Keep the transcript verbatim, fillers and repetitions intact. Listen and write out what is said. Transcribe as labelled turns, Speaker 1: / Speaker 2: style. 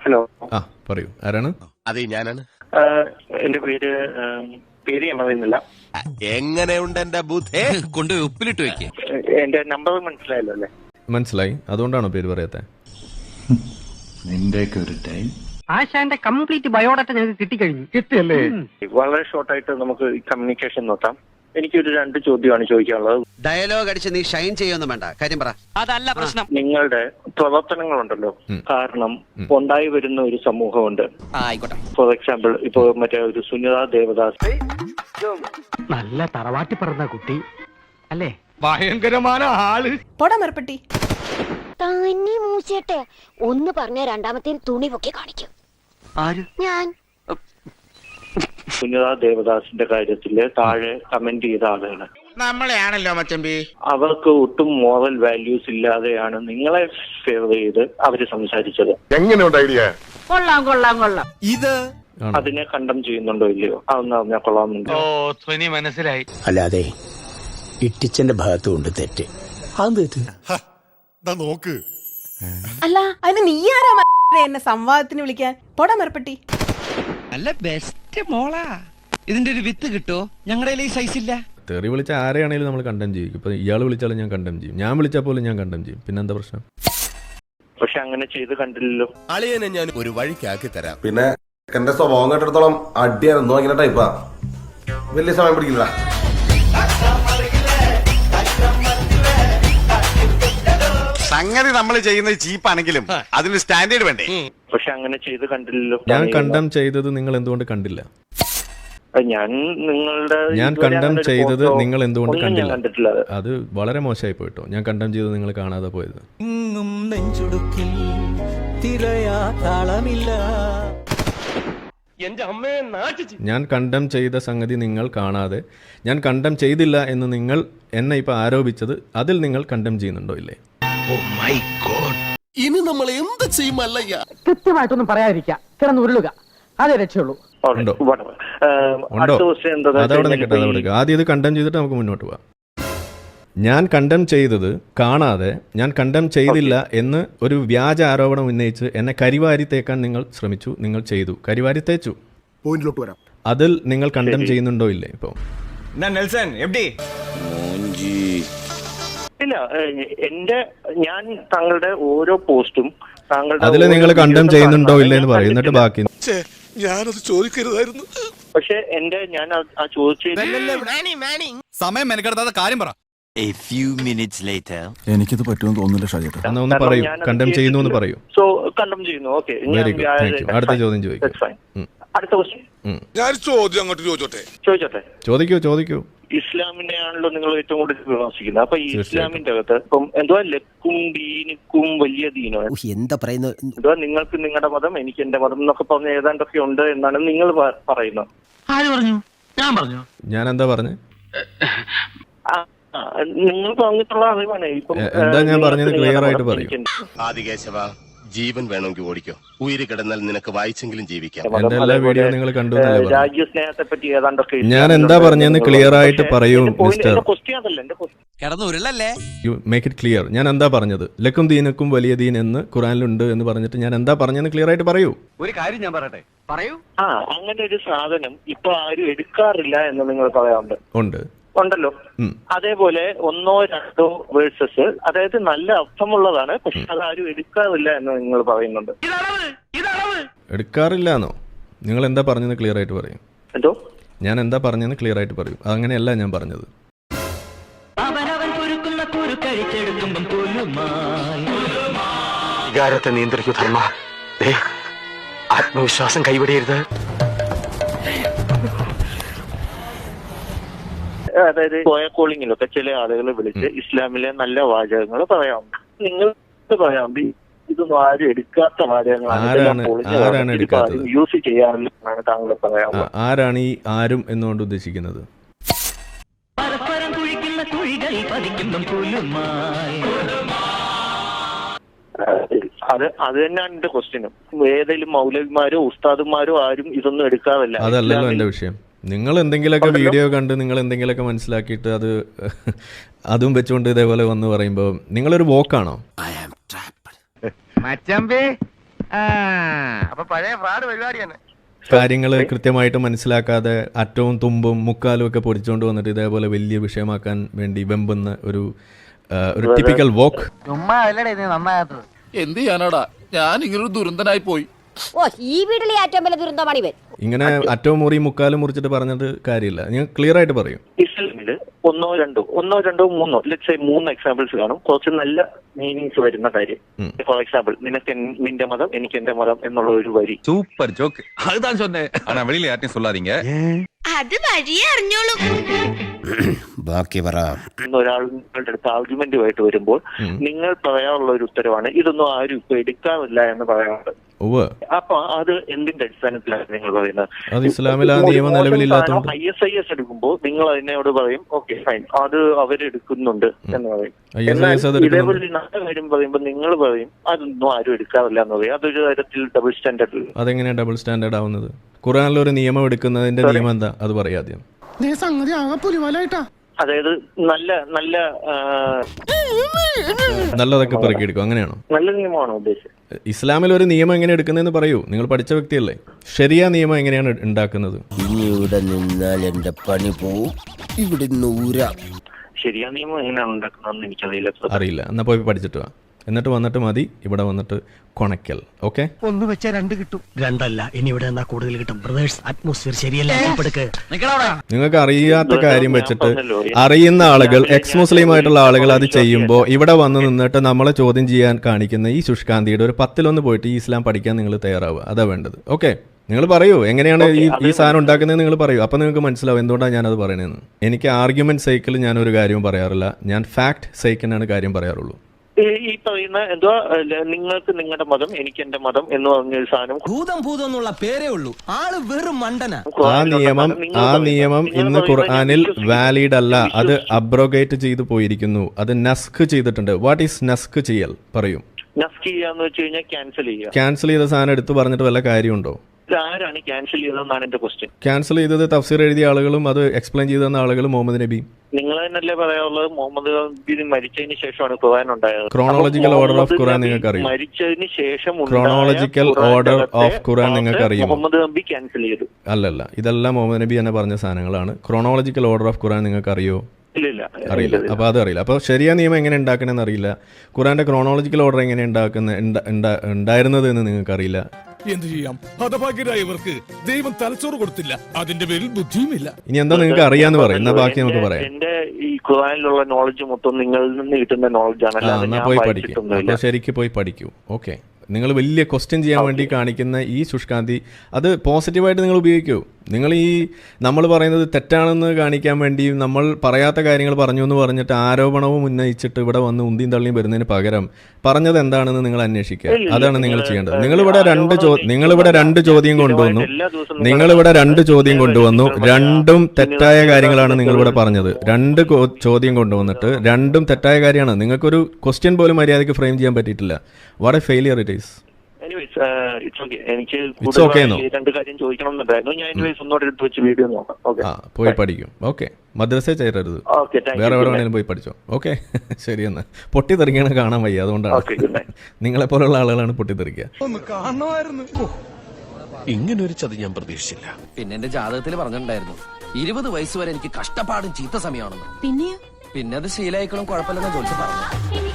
Speaker 1: Hello.
Speaker 2: ആ പറയൂ, ആരാണ്?
Speaker 3: അതെ, ഞാനാണ്.
Speaker 1: എന്റെ പേര് പേര് ഞാൻ പറയുന്നില്ല.
Speaker 3: എങ്ങനെയുണ്ട് എന്റെ ബുദ്ധേ? കൊണ്ട് ഉപ്പിലിട്ട് വെക്ക്.
Speaker 1: എന്റെ നമ്പർ മനസ്സിലായല്ലോ അല്ലേ?
Speaker 2: മനസ്സിലായി. അതുകൊണ്ടാണോ പേര് പറയാത്തെ?
Speaker 4: നിന്റെയൊക്കെ ഒരു ടൈം.
Speaker 5: ആശാന്റെ കംപ്ലീറ്റ് ബയോഡാറ്റ ഞങ്ങൾക്ക് കിട്ടിക്കഴിഞ്ഞു. കിട്ടിയല്ലേ?
Speaker 1: വളരെ ഷോർട്ടായിട്ട് നമുക്ക് കമ്മ്യൂണിക്കേഷൻ നോക്കാം. എനിക്കൊരു രണ്ട് ചോദ്യമാണ് ചോദിക്കാനുള്ളത്.
Speaker 6: ഡയലോഗ് അടിച്ച് നീ ഷൈൻ ചെയ്യൊന്നും വേണ്ട, കാര്യം പറ.
Speaker 5: അതല്ല പ്രശ്നം.
Speaker 1: നിങ്ങളുടെ പ്രവർത്തനങ്ങളുണ്ടല്ലോ, കാരണം ഉണ്ടായി വരുന്ന ഒരു സമൂഹമുണ്ട്.
Speaker 6: ആയിക്കോട്ടെ.
Speaker 1: ഫോർ എക്സാമ്പിൾ, ഇപ്പൊ മറ്റേ ഒരു സുനിത ദേവദാസ്,
Speaker 5: നല്ല തറവാട്ടി പറഞ്ഞ കുട്ടി അല്ലേ?
Speaker 7: ഭയങ്കരമായ ആള്.
Speaker 8: പൊടമർപ്പട്ടി
Speaker 9: തന്നെ മൂച്ചേട്ടെ ഒന്ന് പറഞ്ഞ രണ്ടാമത്തെ തുണി പൊക്കി കാണിക്കും.
Speaker 6: ആര്?
Speaker 9: ഞാൻ.
Speaker 1: സുനിത ദേവദാസിന്റെ കാര്യത്തില് താഴെ കമന്റ് ചെയ്ത ആളുകള്
Speaker 3: നമ്മളെയാണല്ലോ മച്ചമ്പി.
Speaker 1: അവർക്ക് ഒട്ടും മോറൽ വാല്യൂസ് ഇല്ലാതെയാണ് നിങ്ങളെ ഫേവർ ചെയ്ത് അവര് സംസാരിച്ചത്.
Speaker 7: എങ്ങനെയുണ്ട് ഐഡിയ?
Speaker 5: കൊള്ളാം കൊള്ളാം കൊള്ളാം.
Speaker 3: ഇത്
Speaker 1: അതിനെ കണ്ടം ചെയ്യുന്നുണ്ടോ ഇല്ലയോ? അതൊന്ന് അറിഞ്ഞാൽ കൊള്ളാമെന്നുണ്ട്.
Speaker 7: ഓ ധ്വനി മനസ്സിലായി.
Speaker 10: അല്ലാതെ ഇട്ടിച്ചന്റെ ഭാഗത്തും ഉണ്ട് തെറ്റ്.
Speaker 4: നോക്ക്.
Speaker 8: അല്ല, അതിന് നീ ആരാ എന്നെ സംവാദത്തിന് വിളിക്കാൻ? പൊടമർപ്പട്ടി.
Speaker 6: നല്ല ബെസ്റ്റ് മോളാ. ഇതിന്റെ ഒരു വിത്ത് കിട്ടോ? ഞങ്ങളുടെ ഈ സൈസ് ഇല്ല.
Speaker 2: തെറി വിളിച്ച ആരെയാണെങ്കിലും നമ്മൾ കണ്ടം ചെയ്യും. ഇപ്പൊ ഇയാൾ വിളിച്ചാലും ഞാൻ കണ്ടം ചെയ്യും, ഞാൻ വിളിച്ചാൽ പോലും ഞാൻ കണ്ടം ചെയ്യും. പിന്നെ എന്താ പ്രശ്നം?
Speaker 1: പക്ഷെ അങ്ങനെ ചെയ്ത് കണ്ടില്ലല്ലോ.
Speaker 3: അളിയനെ ഞാൻ ഒരു വഴിക്കാക്കി തരാം.
Speaker 11: പിന്നെ എന്റെ സ്വഭാവം കേട്ടിടത്തോളം അടിയായിരുന്നു ഇങ്ങനെ ടൈപ്പാ. വലിയ സമയം പിടിക്കില്ല.
Speaker 3: സംഗതി നമ്മൾ ചെയ്യുന്നത് ചീപ്പാണെങ്കിലും അതിന് സ്റ്റാൻഡേർഡ് വേണ്ടേ?
Speaker 1: പക്ഷെ അങ്ങനെ ചെയ്ത് കണ്ടില്ലല്ലോ.
Speaker 2: ഞാൻ കണ്ടം ചെയ്തത് നിങ്ങൾ എന്തുകൊണ്ട് കണ്ടില്ല?
Speaker 1: ഞാൻ നിങ്ങളുടെ
Speaker 2: ഞാൻ കണ്ടം ചെയ്തത് നിങ്ങൾ എന്തുകൊണ്ട് കണ്ടില്ല?
Speaker 1: കണ്ടിട്ടില്ല.
Speaker 2: അത് വളരെ മോശമായി പോയിട്ടോ. ഞാൻ കണ്ടം ചെയ്തത് നിങ്ങൾ കാണാതെ പോയത്. ഞാൻ കണ്ടം ചെയ്ത സംഗതി നിങ്ങൾ കാണാതെ, ഞാൻ കണ്ടം ചെയ്തില്ല എന്ന് നിങ്ങൾ എന്നെ ഇപ്പൊ ആരോപിച്ചത്, അതിൽ നിങ്ങൾ കണ്ടം ചെയ്യുന്നുണ്ടോ ഇല്ലേ?
Speaker 3: ഇനി നമ്മൾ എന്ത് ചെയ്യുമല്ലയ്യ?
Speaker 5: കൃത്യമായിട്ടൊന്നും പറയാതിരിക്കുക, കിടന്ന് ഉരുളുക, അതേ രക്ഷയുള്ളൂ.
Speaker 2: ഉണ്ടോ? ഉണ്ടോ? അതവിടെ നിൽക്കട്ടെ, അതവിടെ. ആദ്യം ഇത് കണ്ടം ചെയ്തിട്ട് നമുക്ക് മുന്നോട്ട് പോവാം. ഞാൻ കണ്ടം ചെയ്തത് കാണാതെ, ഞാൻ കണ്ടം ചെയ്തില്ല എന്ന് ഒരു വ്യാജ ആരോപണം ഉന്നയിച്ച് എന്നെ കരിവാരി തേക്കാൻ നിങ്ങൾ ശ്രമിച്ചു. നിങ്ങൾ ചെയ്തു, കരിവാരി തേച്ചു.
Speaker 4: പോയിന്റിലോട്ട് വരാം.
Speaker 2: അതിൽ നിങ്ങൾ കണ്ടം ചെയ്യുന്നുണ്ടോ ഇല്ലേ? ഇപ്പൊ
Speaker 1: ഇല്ല, എന്റെ ഞാൻ താങ്കളുടെ ഓരോ പോസ്റ്റും താങ്കളുടെ
Speaker 2: അതിൽ നിങ്ങൾ കണ്ടം ചെയ്യുന്നുണ്ടോ ഇല്ല എന്ന് പറയും, എന്നിട്ട് ബാക്കി.
Speaker 3: ഞാനത് ചോദിക്കരുതായിരുന്നു.
Speaker 1: പക്ഷെ എന്റെ ഞാൻ ആ ചോദിച്ച
Speaker 3: സമയം മെനക്കെടുത്താത്ത കാര്യം പറ.
Speaker 4: എനിക്കിത് പറ്റുമെന്ന് തോന്നുന്നില്ല ഷാജേട്ടാ.
Speaker 2: എന്നാ ഒന്ന് പറയൂ, കണ്ടം ചെയ്യുന്നു എന്ന് പറയൂ.
Speaker 1: സോ കണ്ടം ചെയ്യുന്നു. Okay,
Speaker 2: very good, thank you. അടുത്ത ചോദ്യം ചോദിക്കും.
Speaker 1: അടുത്ത ക്വസ്റ്റ്യൻ
Speaker 3: ഞാൻ ചോദ്യം അങ്ങോട്ട് ചോദിച്ചോട്ടെ?
Speaker 1: ചോദിച്ചോട്ടെ.
Speaker 2: ചോദിക്കൂ ചോദിക്കൂ.
Speaker 1: ഇസ്ലാമിനെയാണല്ലോ നിങ്ങൾ ഏറ്റവും കൂടുതൽ വിമർശിക്കുന്നത്. അപ്പൊ ഈ ഇസ്ലാമിന്റെ അകത്ത് ഇപ്പം എന്തുവാ ലക്കും ദീനിക്കും വലിയ ദീനോ
Speaker 6: എന്താ പറയുന്നത്?
Speaker 1: എന്തുവാ നിങ്ങൾക്ക് നിങ്ങളുടെ മതം, എനിക്ക് എന്റെ മതം എന്നൊക്കെ പറഞ്ഞ ഏതാണ്ടൊക്കെ ഉണ്ട് എന്നാണ് നിങ്ങൾ പറയുന്നത്.
Speaker 5: ആര് പറഞ്ഞു? ഞാൻ പറഞ്ഞു.
Speaker 2: ഞാൻ എന്താ പറഞ്ഞു?
Speaker 1: നിങ്ങൾ പറഞ്ഞിട്ടുള്ള അറിവാണ്. ഇപ്പം
Speaker 2: എന്താ ഞാൻ പറഞ്ഞത് ക്ലിയർ ആയിട്ട് പറയും.
Speaker 3: ആദികേശവ, ജീവൻ വേണമെങ്കിൽ ഓടിക്കോ, ഉയിര് കിടന്നാൽ നിനക്ക് വായിച്ചെങ്കിലും ജീവിക്കാം.
Speaker 2: എന്റെ എല്ലാ വീഡിയോ നിങ്ങൾ കണ്ടു.
Speaker 1: രാജ്യസ്നേഹത്തെ പറ്റി ഏതാണ്ടൊക്കെ
Speaker 2: ഞാൻ എന്താ പറഞ്ഞെന്ന് ക്ലിയർ ആയിട്ട് പറയൂ മിസ്റ്റർ.
Speaker 6: കിടന്നുരുളല്ലേ?
Speaker 2: You make it clear. ഞാൻ എന്താ പറഞ്ഞത്? ലക്കും ദീനക്കും വലിയ ദീൻ എന്ന് ഖുറാനിലുണ്ട് എന്ന് പറഞ്ഞിട്ട് ഞാൻ എന്താ പറഞ്ഞെന്ന് ക്ലിയർ ആയിട്ട് പറയൂ.
Speaker 6: ഒരു കാര്യം ഞാൻ പറയട്ടെ, പറയൂ.
Speaker 1: ആ, അങ്ങനെ ഒരു സാധനം ഇപ്പൊ ആരും എടുക്കാറില്ല എന്ന് നിങ്ങൾ പറയാറുണ്ട്.
Speaker 2: ഉണ്ട്,
Speaker 1: ഉണ്ടല്ലോ. അതേപോലെ ഒന്നോ രണ്ടോ വേഴ്സസ്, അതായത് നല്ല അർത്ഥമുള്ളതാണ്, പക്ഷെ അതാരും എടുക്കാറില്ല എന്ന് നിങ്ങൾ പറയുന്നുണ്ട്.
Speaker 2: എടുക്കാറില്ല എന്നോ? നിങ്ങൾ എന്താ പറഞ്ഞെന്ന് ക്ലിയർ ആയിട്ട് പറയും.
Speaker 1: എന്തോ
Speaker 2: ഞാൻ എന്താ പറഞ്ഞെന്ന് ക്ലിയർ ആയിട്ട് പറയും. അങ്ങനെയല്ല ഞാൻ പറഞ്ഞത്.
Speaker 10: വികാരത്തെ നിയന്ത്രിക്കൂ ധർമ്മ. ആത്മവിശ്വാസം കൈവിടരുത്.
Speaker 1: അതായത് കോയ കോളിങ്ങിലൊക്കെ ചില ആളുകൾ വിളിച്ച് ഇസ്ലാമിലെ നല്ല വാചകങ്ങൾ പറയാറുണ്ട്. നിങ്ങൾ പറയാറുണ്ട് ഇതൊന്നും ആരും എടുക്കാത്ത വാചകങ്ങളാണ്, യൂസ് ചെയ്യാറില്ലെന്നാണ് താങ്കൾ പറയാറുള്ളത്.
Speaker 2: ആരാണ് ഈ ആരും എന്നുകൊണ്ട് ഉദ്ദേശിക്കുന്നത്?
Speaker 1: അത് അത് തന്നെയാണ് എന്റെ ക്വസ്റ്റ്യനും. ഏതെങ്കിലും മൗലവിമാരോ ഉസ്താദുമാരോ ആരും ഇതൊന്നും എടുക്കാറില്ല.
Speaker 2: അതല്ലല്ലോ എന്റെ വിഷയം. നിങ്ങൾ എന്തെങ്കിലുമൊക്കെ വീഡിയോ കണ്ട് നിങ്ങൾ എന്തെങ്കിലുമൊക്കെ മനസ്സിലാക്കിയിട്ട് അത് അതും വെച്ചുകൊണ്ട് ഇതേപോലെ വന്ന് പറയുമ്പോൾ നിങ്ങളൊരു വോക്കാണോ?
Speaker 7: മച്ചമ്പി അപ്പൊ പഴയ ഫ്രാഡ് പരിപാടി തന്നെ.
Speaker 2: കാര്യങ്ങൾ കൃത്യമായിട്ട് മനസ്സിലാക്കാതെ അറ്റവും തുമ്പും മുക്കാലും ഒക്കെ പൊടിച്ചുകൊണ്ട് വന്നിട്ട് ഇതേപോലെ വലിയ വിഷയമാക്കാൻ വേണ്ടി വെമ്പുന്ന ഒരു ഒരു ടിപ്പിക്കൽ വോക്ക്.
Speaker 5: ചുമ്മാ അല്ലടേ നീ നന്നാകാത്തത്.
Speaker 4: എന്ത് ചെയ്യാനാടാ, ഞാൻ ഇങ്ങനൊരു ദുരന്തനായി പോയി.
Speaker 9: ഓ ഈ വീട്ടിലെ ഏറ്റവും വലിയ ദുരന്തമാണ് ഇവൻ.
Speaker 2: ഇങ്ങനെ അറ്റവും മുറി മുക്കാലും മുറിച്ചിട്ട് പറഞ്ഞിട്ട് കാര്യമില്ല. നിങ്ങൾ ക്ലിയർ ആയിട്ട് പറയും.
Speaker 1: ഇസ്ലാമില് ഒന്നോ രണ്ടോ ഒന്നോ രണ്ടോ മൂന്നോ ലെറ്റ്സ് സേ മൂന്ന് എക്സാമ്പിൾസ് കാണും, കുറച്ച് നല്ല മീനിങ്സ് വരുന്ന കാര്യം. ഫോർ എക്സാമ്പിൾ, നിനക്ക് നിന്റെ മതം എനിക്ക് എന്റെ മതം എന്നുള്ള ഒരു വരി.
Speaker 6: Super joke. അതുதான் சொன்னேன். ஆனா வெளியில யார்ட்டையும் சொல்லாதீங்க.
Speaker 9: അത് വഴിയേ അറിഞ്ഞോളൂ.
Speaker 3: ബാക്കി പറ.
Speaker 1: ഒരാൾ നിങ്ങളുടെ അടുത്ത് ആർഗ്യുമെന്റുമായിട്ട് വരുമ്പോൾ നിങ്ങൾ പറയാനുള്ള ഒരു ഉത്തരവാണ് ഇതൊന്നും ആരും ഇപ്പൊ എടുക്കാറില്ല എന്ന് പറയാറുണ്ട്. അപ്പൊ അത് എന്തിന്റെ അടിസ്ഥാനത്തിലാണ് നിങ്ങൾ പറയുന്നത്?
Speaker 2: അത് ഇസ്ലാമിൽ ആ നിയമം നിലവിലില്ലാത്തതുകൊണ്ട്
Speaker 1: ഐ എസ് ഐ എസ് എടുക്കുമ്പോൾ നിങ്ങൾ അതിനോട് പറയും ഓക്കെ ഫൈൻ അത് അവരെടുക്കുന്നുണ്ട് എന്ന് പറയും. ഇതേപോലെ നല്ല കാര്യം പറയുമ്പോൾ നിങ്ങൾ പറയും അതൊന്നും ആരും എടുക്കാറില്ല എന്ന് പറയും. അതൊരു തരത്തിൽ ഡബിൾ സ്റ്റാൻഡേർഡ്.
Speaker 2: അതെങ്ങനെയാണ് ഡബിൾ സ്റ്റാൻഡേർഡ് ആവുന്നത്? ഖുർആനിൽ ഒരു നിയമം എടുക്കുന്നതിന്റെ നിയമം എന്താ അത് പറയാദ്യം.
Speaker 1: അതായത് നല്ല നല്ല
Speaker 2: നല്ലതൊക്കെ പെറുക്കിയെടുക്കും, അങ്ങനെയാണോ?
Speaker 1: നല്ല നിയമമാണോ ഉദ്ദേശിച്ചത്?
Speaker 2: ഇസ്ലാമിൽ ഒരു നിയമം എങ്ങനെ എടുക്കുന്നതെന്ന് പറയൂ. നിങ്ങൾ പഠിച്ച വ്യക്തിയല്ലേ. ശരിയാ നിയമം എങ്ങനെയാണ് ഉണ്ടാക്കുന്നത്?
Speaker 10: ഇനി ഇവിടെ നിന്നാൽ എന്റെ പണി പോവും. ഇവിടെ നൂരാ.
Speaker 1: ശരിയാ നിയമം എങ്ങനെയാണ് ഉണ്ടാക്കുന്നതെന്ന് എനിക്കറിയില്ല.
Speaker 2: അറിയില്ല. എന്നാ പോയി പഠിച്ചിട്ട് വാ. എന്നിട്ട് വന്നിട്ട് മതി ഇവിടെ വന്നിട്ട് കൊണക്കൽ. ഓക്കെ,
Speaker 5: ഒന്ന് വെച്ചാൽ രണ്ട് കിട്ടും.
Speaker 10: രണ്ടല്ല, ഇനി ഇവിടെ എന്നാ കൂടുതൽ കിട്ടും. ബ്രദേഴ്സ് അറ്റ്മോസ്ഫിയർ ശരിയല്ല.
Speaker 2: നിങ്ങൾക്ക് അറിയാത്ത കാര്യം വെച്ചിട്ട് അറിയുന്ന ആളുകൾ, എക്സ് മുസ്ലിം ആയിട്ടുള്ള ആളുകൾ അത് ചെയ്യുമ്പോൾ ഇവിടെ വന്ന് നിന്നിട്ട് നമ്മളെ ചോദ്യം ചെയ്യാൻ കാണിക്കുന്ന ഈ ശുഷ്കാന്തിയുടെ ഒരു പത്തിലൊന്ന് പോയിട്ട് ഈ ഇസ്ലാം പഠിക്കാൻ നിങ്ങൾ തയ്യാറാവുക. അതാ വേണ്ടത്. ഓക്കെ, നിങ്ങൾ പറയൂ എങ്ങനെയാണ് ഈ ഈ സാധനം ഉണ്ടാക്കുന്നത് നിങ്ങൾ പറയൂ. അപ്പം നിങ്ങൾക്ക് മനസ്സിലാവും എന്തുകൊണ്ടാണ് ഞാനത് പറയണതെന്ന്. എനിക്ക് ആർഗ്യുമെന്റ് സൈക്കിൾ ഞാൻ ഒരു കാര്യവും പറയാറില്ല. ഞാൻ ഫാക്ട് സൈക്കിളിനാണ് കാര്യം പറയാറുള്ളൂ.
Speaker 1: ഈ പറയുന്ന എന്തോ നിങ്ങൾക്ക് നിങ്ങളുടെ മതം എനിക്ക് എന്റെ മതം എന്ന് പറഞ്ഞൊരു സാധനം
Speaker 6: ഭൂതം ഭൂതം എന്നുള്ള പേരേ ഉള്ളൂ. ആള് വെറും മണ്ടന.
Speaker 2: ആ നിയമം ആ നിയമം ഇന്ന് ഖുർആനിൽ വാലിഡ് അല്ല. അത് അബ്രോഗേറ്റ് ചെയ്തു പോയിരിക്കുന്നു. അത് നസ്ക് ചെയ്തിട്ടുണ്ട്. വാട്ട് ഈസ് നസ്ക് ചെയ്യൽ പറയൂ.
Speaker 1: നസ്ക് ചെയ്യാന്ന് വെച്ച് കഴിഞ്ഞാൽ ക്യാൻസൽ ചെയ്യുക.
Speaker 2: ക്യാൻസൽ ചെയ്ത സാധനം എടുത്ത് പറഞ്ഞിട്ട് വല്ല കാര്യമുണ്ടോ?
Speaker 1: ആരാണ് ക്യാൻസൽ ചെയ്തതെന്നാണ് എന്റെ ക്വസ്റ്റ്യൻ.
Speaker 2: ക്യാൻസൽ ചെയ്തത് തഫ്സീർ എഴുതിയ ആളുകളും അത് എക്സ്പ്ലെയിൻ ചെയ്തു തന്ന ആളുകളും മുഹമ്മദ് നബി.
Speaker 1: നിങ്ങൾ തന്നെയല്ലേ പറയാനുള്ളത് മുഹമ്മദ് നബി മരിച്ചതിന് ശേഷമാണ് ഖുർആൻ ഉണ്ടായത്.
Speaker 2: ക്രോണോളജിക്കൽ ഓർഡർ ഓഫ് ഖുർആൻ നിങ്ങൾക്ക് അറിയാം.
Speaker 1: മരിച്ചതിന് ശേഷം
Speaker 2: ക്രോണോളജിക്കൽ ഓർഡർ ഓഫ് ഖുർആൻ നിങ്ങൾക്ക് അറിയാം.
Speaker 1: മുഹമ്മദ് നബി ക്യാൻസൽ ചെയ്തു.
Speaker 2: അല്ലല്ല, ഇതെല്ലാം മുഹമ്മദ് നബി തന്നെ പറഞ്ഞ സാധനങ്ങളാണ്. ക്രോണോളജിക്കൽ ഓർഡർ ഓഫ് ഖുർആൻ നിങ്ങൾക്ക് അറിയോ? അറിയില്ല. അപ്പൊ അത് അറിയില്ല. അപ്പൊ ശരിയാ നിയമം എങ്ങനെ ഉണ്ടാക്കണമെന്ന് അറിയില്ല. ഖുർആന്റെ ക്രോണോളജിക്കൽ ഓർഡർ എങ്ങനെ ഉണ്ടാക്കുന്ന ഉണ്ടായിരുന്നത് എന്ന് നിങ്ങൾക്ക് അറിയില്ല.
Speaker 4: എന്ത് ചെയ്യാം, ഹതഭാഗ്യരായവർക്ക് ദൈവം തലച്ചോറ് കൊടുത്തില്ല, അതിന്റെ പേരിൽ ബുദ്ധിയുമില്ല.
Speaker 2: ഇനി എന്താ നിങ്ങൾക്ക് അറിയാന്ന് പറയും. എന്നാ ബാക്കി നമുക്ക് പറയാം.
Speaker 1: എന്റെ ഈ ഖുർആനിലുള്ള നോളജ് മൊത്തം നിങ്ങളിൽ നിന്ന് കിട്ടുന്ന നോളജ് ആണ്.
Speaker 2: എന്നാ പോയി പഠിക്കും. അപ്പൊ ശരിക്ക് പോയി പഠിക്കൂ. ഓക്കെ, നിങ്ങൾ വലിയ ക്വസ്റ്റ്യൻ ചെയ്യാൻ വേണ്ടി കാണിക്കുന്ന ഈ ശുഷ്കാന്തി അത് പോസിറ്റീവായിട്ട് നിങ്ങൾ ഉപയോഗിക്കൂ. നിങ്ങൾ ഈ നമ്മൾ പറയുന്നത് തെറ്റാണെന്ന് കാണിക്കാൻ വേണ്ടി നമ്മൾ പറയാത്ത കാര്യങ്ങൾ പറഞ്ഞു എന്ന് പറഞ്ഞിട്ട് ആരോപണവും ഉന്നയിച്ചിട്ട് ഇവിടെ വന്ന് ഉന്തിയും തള്ളിയും വരുന്നതിന് പകരം പറഞ്ഞത് എന്താണെന്ന് നിങ്ങൾ അന്വേഷിക്കുക. അതാണ് നിങ്ങൾ ചെയ്യേണ്ടത്. നിങ്ങളിവിടെ രണ്ട് നിങ്ങളിവിടെ രണ്ട് ചോദ്യം കൊണ്ടുവന്നു നിങ്ങളിവിടെ രണ്ട് ചോദ്യം കൊണ്ടുവന്നു രണ്ടും തെറ്റായ കാര്യങ്ങളാണ് നിങ്ങളിവിടെ പറഞ്ഞത്. രണ്ട് ചോദ്യം കൊണ്ടുവന്നിട്ട് രണ്ടും തെറ്റായ കാര്യമാണ്. നിങ്ങൾക്കൊരു ക്വസ്റ്റ്യൻ പോലും മര്യാദയ്ക്ക് ഫ്രെയിം ചെയ്യാൻ പറ്റിയിട്ടില്ല. What a failure it is.
Speaker 1: എനിക്ക് രണ്ട് കാര്യം ചോദിക്കണമെന്നുണ്ടായിരുന്നു. ഞാൻ ഒന്നുകൂടെ എടുത്ത് വെച്ച് വീഡിയോ നോക്കാം.
Speaker 2: പോയി പഠിക്കും. ഓക്കെ, മദ്രസ ചേരരുത്, വേറെ എവിടെ വേണേലും പോയി പഠിച്ചോ. ഓക്കെ, ശരി. എന്നാ പൊട്ടിത്തെറിക്കണ കാണാൻ വയ്യ, അതുകൊണ്ടാണ്. നിങ്ങളെ പോലുള്ള ആളുകളാണ് പൊട്ടിത്തെറിക്കുക.
Speaker 3: ഇങ്ങനെ ഒരു ചതി ഞാൻ പ്രതീക്ഷിച്ചില്ല.
Speaker 6: പിന്നെ എന്റെ ജാതകത്തിൽ പറഞ്ഞിട്ടുണ്ടായിരുന്നു ഇരുപത് വയസ്സ് വരെ എനിക്ക് കഷ്ടപ്പാടും ചീത്ത സമയമാണെന്ന്.
Speaker 8: പിന്നെയോ
Speaker 6: പിന്നെ അത് ശീലായിക്കളും കുഴപ്പമില്ലെന്ന് ജോലിച്ച് പറഞ്ഞു.